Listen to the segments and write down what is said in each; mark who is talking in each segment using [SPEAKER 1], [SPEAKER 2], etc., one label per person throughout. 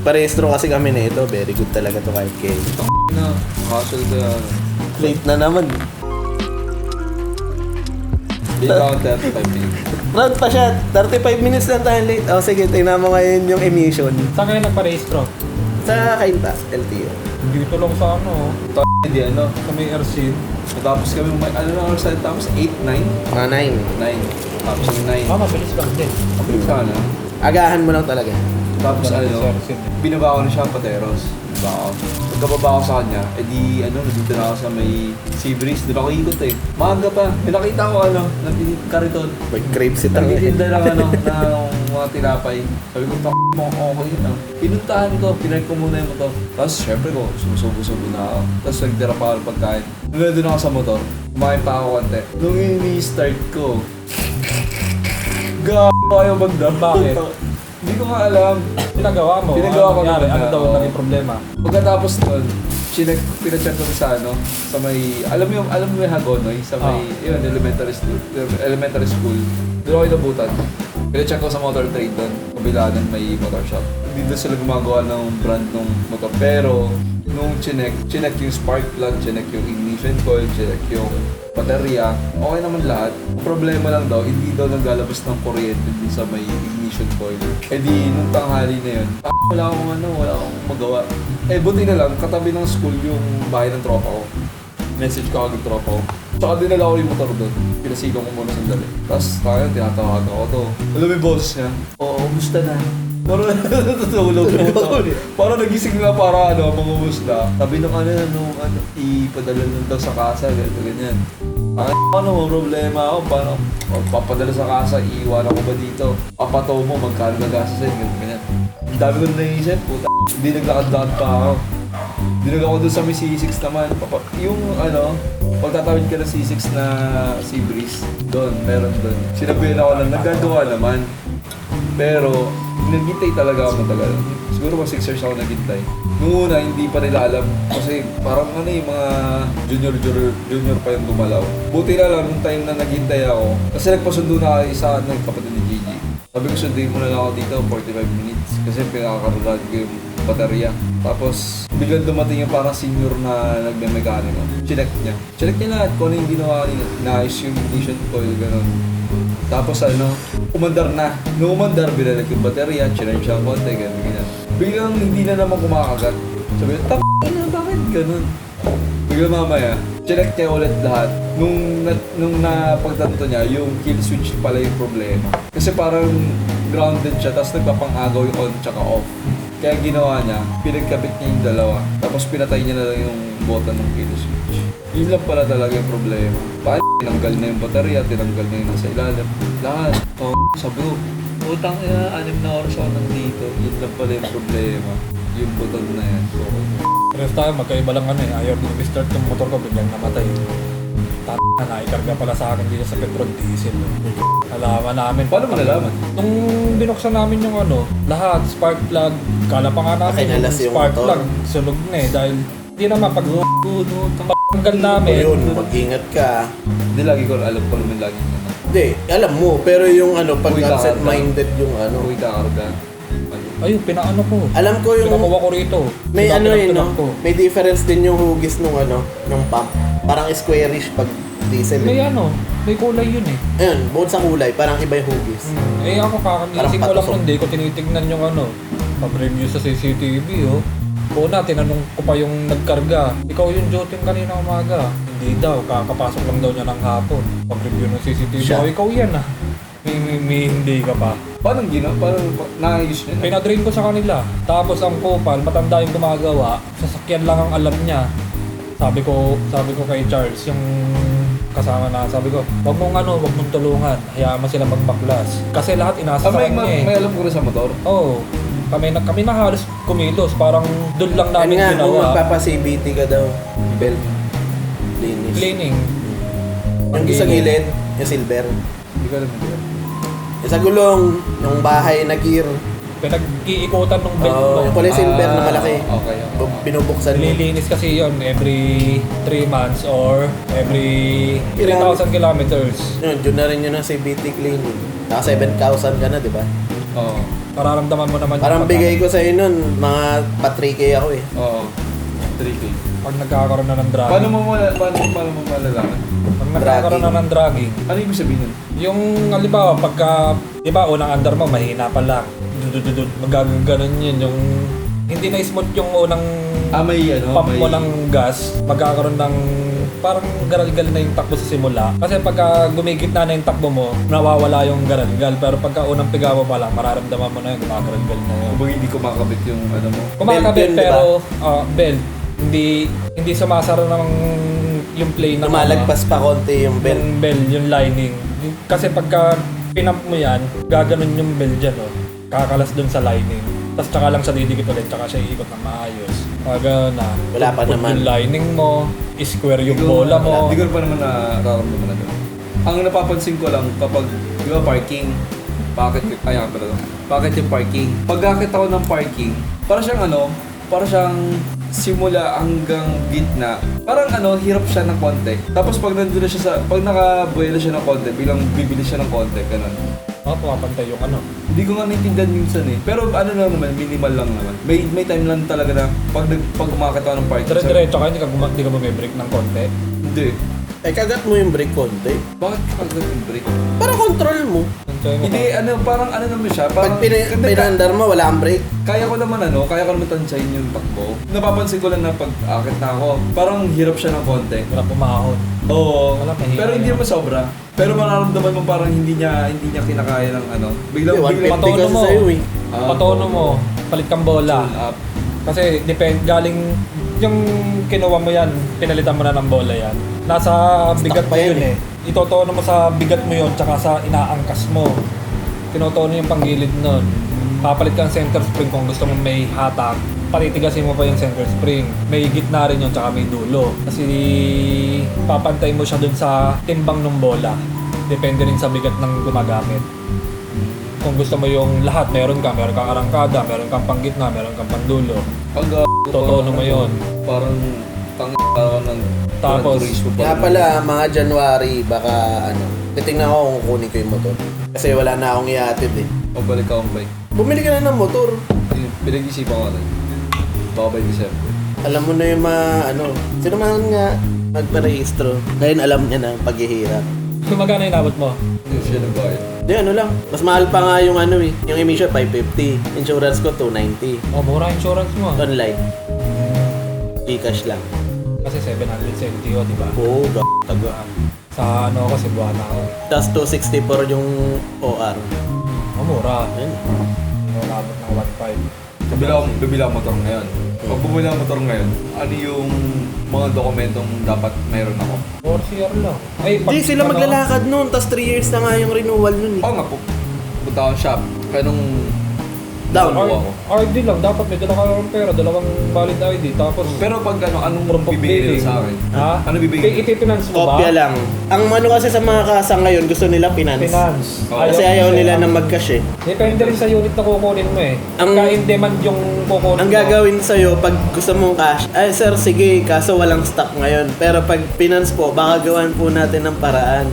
[SPEAKER 1] nagparehistro kasi kami na ito. Very good talaga to kahit kayo.
[SPEAKER 2] Na, hassle ka yan.
[SPEAKER 1] Late na naman.
[SPEAKER 2] Di ba ako 35 minutes?
[SPEAKER 1] Round pa siya. 35 minutes lang tayo late. Oh, sige, tingnan mo ngayon yung emission.
[SPEAKER 3] Saan kayo nagparehistro?
[SPEAKER 1] Sa Kainta, LTO.
[SPEAKER 3] Dito lang sa ano,
[SPEAKER 2] Hindi ano.
[SPEAKER 3] sa may RC.
[SPEAKER 2] Tapos kami, ano na oras tayo? Tapos 8, 9?
[SPEAKER 1] Mga 9.
[SPEAKER 2] 9. Tapos 9.
[SPEAKER 3] Mabilis lang din.
[SPEAKER 2] Okay, sana.
[SPEAKER 1] Agahan mo lang talaga.
[SPEAKER 2] Tapos ano,
[SPEAKER 3] Sa RC.
[SPEAKER 2] binaba ko na siya ang Pateros. Diba ako? Pagkababa ko sa kanya, edi ano, nandito na ako sa may Sea Breeze. Doon ako ikot eh. Maaga pa. May nakita ko ano, kariton.
[SPEAKER 1] May crave si Tang.
[SPEAKER 2] Nagtitinda lang ano, ng mga tinapay. Sabi ko, mo, okay na. Pinuntahan ko, pinag ko muna yung motor. Tapos syempre ko, sumusubo-subo na ako. Tapos nagdira pa ako ng pagkain. Nung nandun ako sa motor, kumain pa ako konti. Nung ini-start ko, gawa ayaw magdam.
[SPEAKER 3] Bakit?
[SPEAKER 2] Hindi ko nga alam.
[SPEAKER 3] Pinagawa mo?
[SPEAKER 2] Pinagawa ko
[SPEAKER 3] nangyari?
[SPEAKER 2] naman
[SPEAKER 3] Ano
[SPEAKER 2] na,
[SPEAKER 3] daw
[SPEAKER 2] oo.
[SPEAKER 3] naging problema?
[SPEAKER 2] Pagkatapos nun, pinacheck ko sa ano, sa may, alam mo yung Hagonoy, sa may, yun, elementary school. Doon ako inabutan. Pinacheck ko sa motor trade doon, kabila ng may motor shop. Hindi doon sila gumagawa ng brand ng motor. Pero, nung chinek yung spark plug, chinek yung ignition coil, chinek yung baterya, okay naman lahat. Ang problema lang daw, hindi daw naglalabas ng kuryente din sa may ignition coil. Eh di, nung tanghali na yun, wala akong magawa. Eh, buti na lang, katabi ng school yung bahay ng tropa ko. Message ko agad tropa ko. Tsaka dinala ko yung motor doon. Pinasilong ko muna sandali. Tapos tayo, tinatawagan ko to. Alam mo yung boss niya? Oo, gusto na. Parang natutulog yung motor. Parang nagising na para mangumusta. Sabi nung ipadala nun daw sa kasa, ganyan. Ano mo problema ako? Paano? Papadala sa kasa, iiwan ako ba dito? Papato mo, magkano nagasasin, ganyan. Ang dami ko na naisip, puta. Hindi naglakad-lakad pa ako. Dinag ako dun sa may C6 naman. Yung pagtatawid ka ng C6 na Sea Breeze, doon, meron doon. Sinabihan ako lang, nagagawa naman. Pero, naghintay talaga ako matagal. Siguro mga 6 years ako naghintay. Noong una, hindi pa nila alam. Kasi parang mga junior pa yung gumalaw. Buti na lang, nung time na naghintay ako. Kasi nagpasundo na ako isa ng kapatid ni Gigi. Sabi ko, sundin mo na lang ako dito, 45 minutes. Kasi pinakakarulad ko yung baterya. Tapos, biglang dumating yung parang senior na nagme-mekaniko. Chinek niya lahat kung ano yung ginawa niya. Naayos yung ignition coil, gano'n. Tapos umandar na. Nung umandar, binalik yung baterya, chinek siya ang konti, gano'n. Biglang hindi na naman kumakagat. Sabi ko, bakit gano'n? Biglang mamaya, chinek niya ulit lahat. Nung napagtanto niya, yung kill switch pala yung problema. Kasi parang grounded siya, tapos nagpapang-agaw yung on tsaka off. Kaya ginawa niya, pinagkabit niya yung dalawa. Tapos pinatay niya na lang yung button ng kill switch. Yun lang pala talaga yung problema. Tinanggal na yung baterya, tinanggal na yung nasa ilalim. Lahat. Sabi ko, utang 6 na oras ako nandito. Yun lang pala yung problema. Yung button na yan.
[SPEAKER 3] Pero tayo, magkaiba lang ayaw din i-start yung motor ko, biglang namatay. Naikarga pala sa akin dito sa petrol diesel. Alaman namin.
[SPEAKER 2] Paano mo nalaman?
[SPEAKER 3] Nung binuksan namin yung lahat, spark plug, kala pa nga namin
[SPEAKER 1] Nakinalas yung
[SPEAKER 3] spark
[SPEAKER 1] motor.
[SPEAKER 3] plug, sunog na dahil hindi naman pag tanggal namin.
[SPEAKER 1] Yun, mag-ingat ka.
[SPEAKER 2] Hindi, lagi ko alam ko naman lagi na.
[SPEAKER 1] Hindi, alam mo. Pero yung pag
[SPEAKER 2] Uy,
[SPEAKER 1] absent-minded yung
[SPEAKER 2] Uy, kakarga.
[SPEAKER 3] Ayun, pinaano ko.
[SPEAKER 1] Alam ko yung...
[SPEAKER 3] Pinakuha ko rito.
[SPEAKER 1] May
[SPEAKER 3] Pinapinap ko.
[SPEAKER 1] May difference din yung hugis nung nung pump. Parang squarish pag diesel.
[SPEAKER 3] May may kulay yun eh.
[SPEAKER 1] Ayun, bukod sa kulay, parang iba yung hugis.
[SPEAKER 3] Eh ako kakamising ko lang
[SPEAKER 1] patusok.
[SPEAKER 3] nun, di ko tinitignan yung pag-review sa CCTV Una, tinanong ko pa yung nagkarga. Ikaw yung joting kanina umaga. Hindi daw, kakapasok lang daw niya ng hapon. Pag-review ng CCTV,
[SPEAKER 1] Siya.
[SPEAKER 3] ikaw yan May hindi ka pa.
[SPEAKER 2] Paano naayos niya?
[SPEAKER 3] Pinadrain ko sa kanila. Tapos ang kupal, matanda yung gumagawa. Sasakyan lang ang alam niya. Sabi ko kay Charles, yung kasama na, sabi ko, wag mong tulungan. Hayaan mo sila magbaklas. Kasi lahat inasa sa kanya
[SPEAKER 2] May alam ko rin sa motor.
[SPEAKER 3] Oo. Kami na halos kumilos. Parang doon lang
[SPEAKER 1] Ano
[SPEAKER 3] namin
[SPEAKER 1] nga, kung
[SPEAKER 3] ginawa.
[SPEAKER 1] magpapa-CBT ka daw, belt, linis.
[SPEAKER 3] Cleaning.
[SPEAKER 1] Yung sa gilid, yung silver.
[SPEAKER 2] Hindi ko alam ito.
[SPEAKER 1] Yung sa gulong, yung bahay na gear.
[SPEAKER 3] Pinag-iikutan ng belt
[SPEAKER 1] Yung kulay silver na malaki.
[SPEAKER 2] Okay.
[SPEAKER 1] Binubuksan mo.
[SPEAKER 3] Nililinis kasi yon every 3 months or every 3,000 kilometers.
[SPEAKER 1] Yun na rin yun ang CBT cleaning. Naka 7,000 ka na, di ba?
[SPEAKER 2] Oo.
[SPEAKER 3] Mararamdaman mo naman
[SPEAKER 1] Parang
[SPEAKER 3] yung
[SPEAKER 1] bigay ko sa'yo nun, mga pa-3K ako eh.
[SPEAKER 2] Oo. 3K.
[SPEAKER 3] pag nagkakaroon na ng dragging.
[SPEAKER 2] Paano mo malalaman?
[SPEAKER 3] Pag nagkakaroon na ng dragging,
[SPEAKER 2] Ano ibig sabihin nun?
[SPEAKER 3] yung halimbawa pagka, di ba unang andar mo mahina pa lang. Magaganon yun, yung hindi na smooth yung unang
[SPEAKER 2] May ano?
[SPEAKER 3] pump
[SPEAKER 2] may...
[SPEAKER 3] mo ng gas, magkakaroon ng parang garalgal na yung takbo sa simula. Kasi pagka gumigit na yung takbo mo, nawawala yung garalgal. Pero pagka unang piga mo pa lang, mararamdaman mo na yung gumagaralgal na yun.
[SPEAKER 2] Kumbaga hindi ko makakabit yung ano mo.
[SPEAKER 3] Kumakabit
[SPEAKER 1] Belt yun, di
[SPEAKER 3] pero belt. Hindi sumasara ng yung play ng
[SPEAKER 1] Lumalagpas pa konti yung belt.
[SPEAKER 3] yung bell, yung lining. Kasi pagka pinump mo yan, gaganon yung bell dyan, oh. Kakalas dun sa lining. Tapos tsaka lang siya didikit ulit, tsaka siya iikot ng maayos. Pag na,
[SPEAKER 1] Wala pa
[SPEAKER 3] put
[SPEAKER 1] naman.
[SPEAKER 3] yung lining mo, square yung bola mo.
[SPEAKER 2] Hindi ko pa naman nararamdaman na doon. Ang napapansin ko lang kapag, di ba parking, bakit yung parking? Pagkakit ako ng parking, para siyang simula hanggang gitna. Parang hirap siya ng konti. Tapos pag nandun na siya pag nakabuela siya ng konti, bilang bibili siya ng konti, ganun.
[SPEAKER 3] Pumapantay yung ano.
[SPEAKER 2] Hindi ko nga naintindihan minsan eh. Pero lang naman, minimal lang naman. May time lang talaga na pag umakit ako ng parking.
[SPEAKER 3] Dire-diretso ka, hindi ka bumibreak ng konti.
[SPEAKER 2] Hindi.
[SPEAKER 1] Kagat mo yung brake konti.
[SPEAKER 2] Bakit kapag yung brake?
[SPEAKER 1] Para control mo.
[SPEAKER 3] Antay mo
[SPEAKER 2] Hindi, parang naman siya. Parang,
[SPEAKER 1] Pag pinandar mo, wala kang brake.
[SPEAKER 2] kaya ko naman tansyahin yung takbo. Napapansin ko lang na pag akit na ako, parang hirap siya ng konti.
[SPEAKER 3] Wala pumahon.
[SPEAKER 2] Oo.
[SPEAKER 3] Wala, mahina
[SPEAKER 2] Pero hindi
[SPEAKER 3] yun.
[SPEAKER 2] naman sobra. Pero mararamdaman mo parang hindi niya kinakaya ng Biglang
[SPEAKER 1] Hindi, 150
[SPEAKER 3] patono
[SPEAKER 1] kasi
[SPEAKER 3] mo.
[SPEAKER 1] sa'yo eh.
[SPEAKER 3] Patono mo, palit kang bola.
[SPEAKER 2] Tune up.
[SPEAKER 3] Kasi galing yung kinuha mo yan, pinalitan mo na ng bola yan. Nasa bigat
[SPEAKER 1] pa
[SPEAKER 3] mo
[SPEAKER 1] yan
[SPEAKER 3] yun eh. Itotono mo sa bigat mo yun, tsaka sa inaangkas mo. Tinotono yung panggilid nun. Papalit ka ng center spring kung gusto mo may hatak. Patitigasin mo pa yung center spring. May gitna rin yun, tsaka may dulo. Kasi papantay mo siya dun sa timbang ng bola. Depende rin sa bigat ng gumagamit. Kung gusto mo yung lahat, meron kang arangkada, meron kang panggitna, meron kang pandulo.
[SPEAKER 2] Pag
[SPEAKER 3] Totono mo yun.
[SPEAKER 2] Parang parang ng
[SPEAKER 3] Tapos,
[SPEAKER 2] turismo pa.
[SPEAKER 1] Kaya pala, mga January, baka titingnan ko kung kukunin ko yung motor. Kasi wala na akong iatid eh.
[SPEAKER 2] Pagbalik ka ang bike.
[SPEAKER 1] Bumili ka na ng motor.
[SPEAKER 2] Pinag-isipan ko rin. Baka by December.
[SPEAKER 1] Alam mo na yung mga sino man nga nagparehistro. Ngayon alam niya na ang paghihirap.
[SPEAKER 3] kung magkano inabot mo?
[SPEAKER 2] Hindi siya nagbayad.
[SPEAKER 1] Di lang. Mas mahal pa nga yung yung emission 550. Insurance ko 290.
[SPEAKER 3] Mura insurance mo.
[SPEAKER 1] Online. E-cash lang.
[SPEAKER 3] Kasi 770 di ba?
[SPEAKER 1] Oo, taga.
[SPEAKER 3] Sa kasi buwan ako.
[SPEAKER 1] Tapos 264 yung OR.
[SPEAKER 3] Mura.
[SPEAKER 1] Ayun.
[SPEAKER 3] Inabot ng 1.5.
[SPEAKER 2] Bibili ako motor ngayon. Pag bumili ako motor ngayon, ano yung mga dokumentong dapat mayroon ako?
[SPEAKER 3] 4 CR lang. Ay,
[SPEAKER 1] Hindi sila maglalakad nun. Tapos 3 years na nga yung renewal nun eh.
[SPEAKER 2] Oo nga po. Punta ako sa shop. Kaya nung
[SPEAKER 1] Down.
[SPEAKER 2] ako.
[SPEAKER 3] RD lang, dapat may dala ka ng pera, dalawang valid ID, tapos
[SPEAKER 2] Pero pag anong
[SPEAKER 3] proof of
[SPEAKER 2] bibigay
[SPEAKER 3] billing.
[SPEAKER 2] nila sa akin?
[SPEAKER 3] Ha?
[SPEAKER 2] Ano bibigay?
[SPEAKER 3] Ipipinance mo ba?
[SPEAKER 1] Kopya lang. Ang kasi sa mga kasa ngayon, gusto nila finance.
[SPEAKER 3] Finance.
[SPEAKER 2] Oo.
[SPEAKER 1] Kasi ayaw nila na mag-cash eh.
[SPEAKER 3] Depende rin sa unit na kukunin mo eh.
[SPEAKER 1] Ang-
[SPEAKER 3] Pagka in demand yung kukunin
[SPEAKER 1] Ang
[SPEAKER 3] mo.
[SPEAKER 1] gagawin sa'yo, pag gusto mong cash, ay sir, sige, kaso walang stock ngayon. Pero pag finance po, baka gawan po natin ng paraan.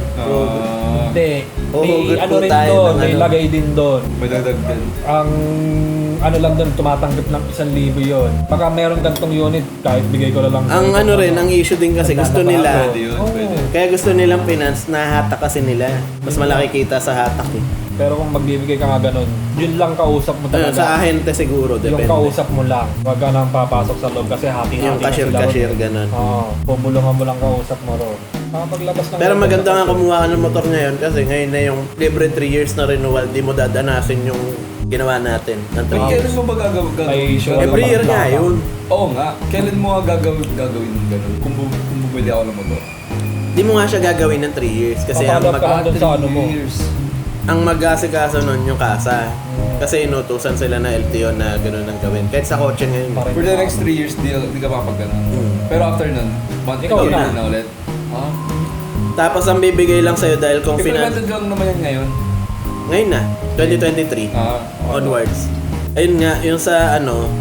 [SPEAKER 3] Hindi.
[SPEAKER 1] Oo,
[SPEAKER 3] May
[SPEAKER 1] good
[SPEAKER 3] ano
[SPEAKER 1] po
[SPEAKER 3] rin
[SPEAKER 1] tayo
[SPEAKER 3] doon,
[SPEAKER 1] ng
[SPEAKER 3] may lagay din doon.
[SPEAKER 2] May dagdag.
[SPEAKER 3] Ang ano lang doon, tumatanggap ng 1,000 yon. Baka meron gantong unit, kahit bigay ko na lang.
[SPEAKER 1] Ang ang issue din kasi gusto nila,
[SPEAKER 2] Pwede yun,
[SPEAKER 3] Oo.
[SPEAKER 2] pwede.
[SPEAKER 1] kaya gusto nilang finance, nahatak kasi nila. Mas malaki kita sa hatak eh.
[SPEAKER 3] Pero kung magbibigay ka nga ganun, yun lang kausap mo
[SPEAKER 1] Sa
[SPEAKER 3] talaga.
[SPEAKER 1] ahente siguro,
[SPEAKER 3] Yung
[SPEAKER 1] depende.
[SPEAKER 3] kausap mo lang. Huwag ka nang papasok sa loob kasi hati-hati
[SPEAKER 1] Yung
[SPEAKER 3] na sila
[SPEAKER 1] cashier,
[SPEAKER 3] ron.
[SPEAKER 1] ganun.
[SPEAKER 3] Oo. Pumulungan mo lang kausap mo ron. Paglabas ng
[SPEAKER 1] Pero maganda nga kumuha ka ng motor ngayon kasi ngayon na yung libre 3 years na renewal, di mo dadanasin yung ginawa natin ng 3
[SPEAKER 2] Pag
[SPEAKER 1] years.
[SPEAKER 2] kailan mo ba gagawin?
[SPEAKER 3] May sure
[SPEAKER 1] Every year nga yun.
[SPEAKER 2] Oo nga. Kailan mo nga gagawin ng ganun? Kung bumili ako ng motor.
[SPEAKER 1] Di mo nga siya gagawin ng 3 years kasi ang,
[SPEAKER 3] Papalap ka lang dun sa ano mo.
[SPEAKER 1] ang mag-asikaso nun yung kasa. Kasi inutusan sila na LTO na gano'n ang gawin. Kahit sa kotse ngayon.
[SPEAKER 3] Parang-
[SPEAKER 2] For the next 3 years, di ka papagano'n. Pero after nun,
[SPEAKER 3] Ikaw na.
[SPEAKER 2] na ulit. Ha?
[SPEAKER 1] Tapos ang bibigay lang sa'yo dahil kung
[SPEAKER 2] Implemented lang naman yan ngayon.
[SPEAKER 1] Ngayon na, 2023 onwards. Ayun nga, yung sa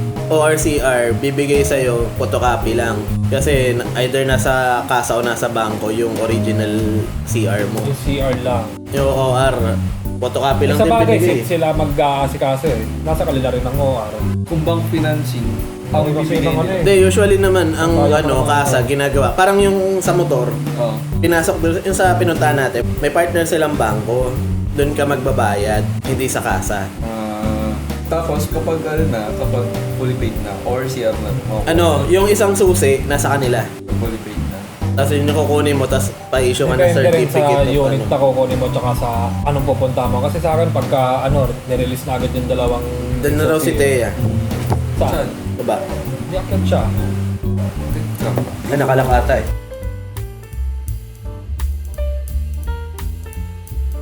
[SPEAKER 1] ORCR, bibigay sa'yo photocopy lang. Kasi either nasa kasa o nasa bangko yung original CR mo.
[SPEAKER 3] Yung CR lang.
[SPEAKER 1] Yung OR, photocopy lang
[SPEAKER 3] Sa
[SPEAKER 1] din
[SPEAKER 3] bagay,
[SPEAKER 1] binigay.
[SPEAKER 3] sila mag-aasikaso eh. Nasa kanila rin ng OR.
[SPEAKER 2] Kung bank financing, ang
[SPEAKER 3] Kasi
[SPEAKER 2] ibibigay
[SPEAKER 3] ng ano
[SPEAKER 2] nila.
[SPEAKER 3] eh.
[SPEAKER 1] Hindi, usually naman, ang
[SPEAKER 3] Kaya
[SPEAKER 1] ano,
[SPEAKER 3] naman
[SPEAKER 1] kasa, ginagawa. Parang yung sa motor,
[SPEAKER 2] Oo.
[SPEAKER 1] pinasok doon, yung sa pinuntahan natin, may partner silang bangko. Doon ka magbabayad, hindi sa kasa.
[SPEAKER 2] Tapos kapag kapag fully paid na, or CR na,
[SPEAKER 1] Ano, yung isang susi, nasa kanila.
[SPEAKER 2] fully paid na.
[SPEAKER 1] Tapos yun yung kukunin mo, tapos pa-issue ka ng
[SPEAKER 3] Depende rin
[SPEAKER 1] certificate.
[SPEAKER 3] sa
[SPEAKER 1] of
[SPEAKER 3] unit
[SPEAKER 1] ano.
[SPEAKER 3] na kukunin mo tsaka sa anong pupunta mo. Kasi sa akin, pagka nirelease na agad yung dalawang...
[SPEAKER 1] Doon na raw si Thea.
[SPEAKER 3] Saan?
[SPEAKER 1] Diba?
[SPEAKER 3] Diakit siya.
[SPEAKER 1] Ay, nakalakata eh.